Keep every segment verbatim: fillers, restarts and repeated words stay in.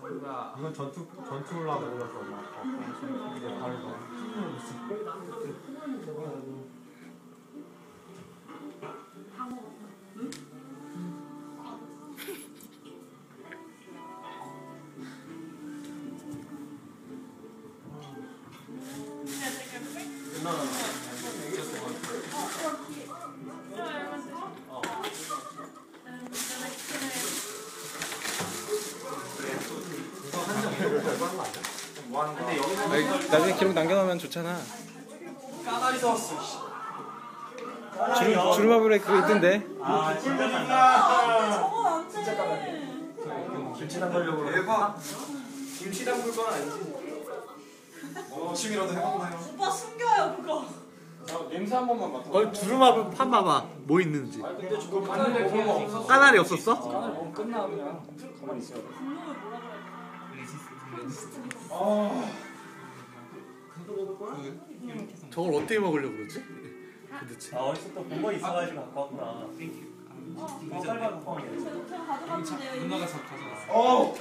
이건 전투 전투 올라가 올라서 막 이게 다른 거. 아니, 나중에 기록 남겨놓으면 좋잖아. 까다리 사왔어. 주름, 주름마블에 그거 있던데. 아 진짜 저거 안 진짜 까다리. 김치 담그려고. 대박. 김치 담글 건 아니지. 어 취미라도 해봤나요? 오빠 숨겨요 그거. 냄새 한 번만 맡아. 어 두루마블 판 봐봐. 뭐 있는지. 아 근데 저거 봤는데 그런 거 없었어. 까나리 없었어? 까나리 먹으면 끝나 그냥. 가만히 있어야 돼. 분노를 뭐라 그래? 아. 저걸 어떻게 먹으려고 그러지? 도대체. 아 어디서 또 본 거 있어가지고 갖고 왔구나. 어 빨리 갖고 왔네. 그냥 가져갔는데요 이미. 누나가 잘 가져왔어. 어.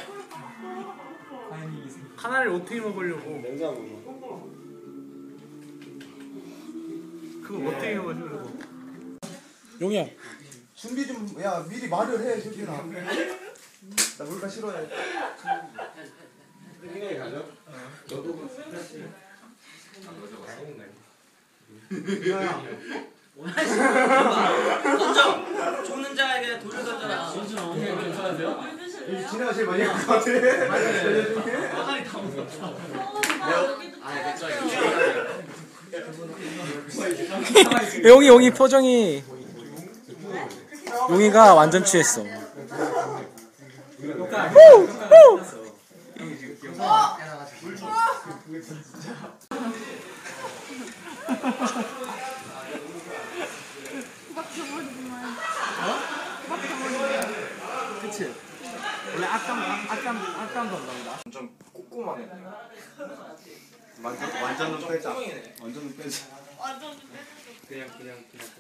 카나리를 어떻게 먹으려고? 냉장고. 그거 어떻게 먹으려고? 용이야. 준비 좀, 야, 미리 말을 해, 저기나. 나 물가 싫어해. 야, 던져! 죽는 자에게 돌을 던져라. 이 지네가 제일 많이 할 것 같아. 까다리 다 먹었어. 용이 용이 표정이. 용이가 완전 취했어. 그치? 원래 악감 악감 악감도 안 나온다. 완전 꼼꼼하네. 완전, 완전은 빼자. 완전은 빼자. 완전 그냥 그냥 그냥.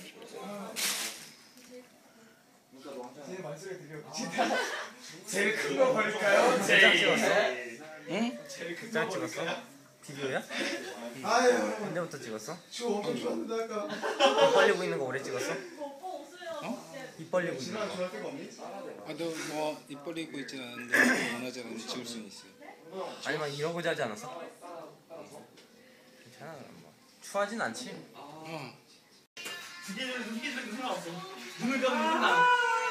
제 말소리 들려. 진짜 제일 큰 거 버릴까요? 제일. 응? 제일 큰거 버릴까요? 비디오야? 아유, 언제부터 찍었어? 추워 엄청 좋았는데 아까. 입 벌리고 있는 거 오래 찍었어? 오빠 없어요. 입 벌리고 있는 지난 거. 좋아할 때가 없니? 아너 뭐 입 벌리고 있진 않은데 원하지 않으면 지울 수는 있어요. 아니면 이러고자 하지 않았어? 괜찮아. 뭐. 추하진 않지? 어. 눈을 감으면 끝나.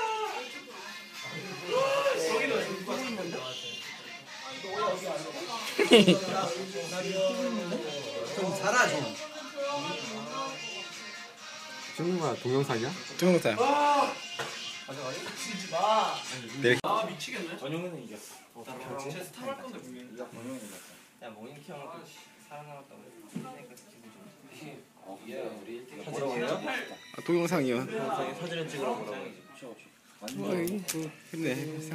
좀 살아 좀. 찍는 거야 동영상이야? 동영상. 아 미치겠네. 전용이는 이겼어. 나 쟤 스타 할 건데 분명히. 전용이는 이겼어. 야 모닝키 형은 또 살아남았다고. 그러니까 기분 좋네. 어 예, 우리 일찍 뭐라고 해요? 아, 동영상이요. 영상에 사진을 찍으러 뭐라고. 어이, 뭐, 힘내.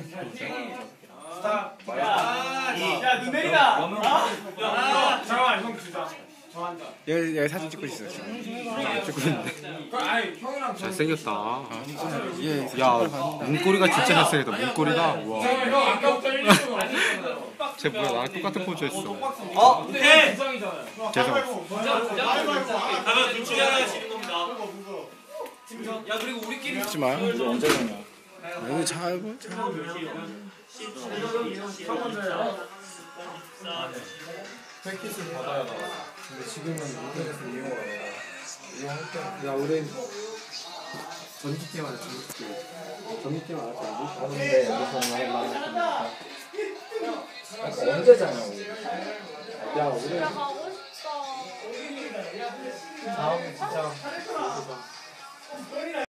야, 눈 내리다. 아, 잠깐만, 형 주자. 저 한다. 여기, 여기 사진 찍고 있어. 지금. 찍고 있는데. 아니, 형이랑 잘생겼다. 예, 야 문고리가 진짜 잘생겼다. 문고리가 와. 형 아까부터 일 년 동안 쟤 뭐야 나랑 똑같은 포즈 했어. 어 오케이. 이상이잖아요. 계속. 가면 둘 중에 하나가 지는 겁니다. 야 그리고 우리끼리 찍지 마. 이거 언제 되냐? 여기 잘 봐. 잘 봐. 패킷을 받아야 돼. 근데 지금은 인터넷을 이용을 안 해. 이용할 때. 야, 우리 전기팀 하자, 전기팀. 전기팀 알았지? 아는데 여기서 말 말하니까. 언제 자냐고. 야, 우리 집에 가고 싶다. 다음에 진짜.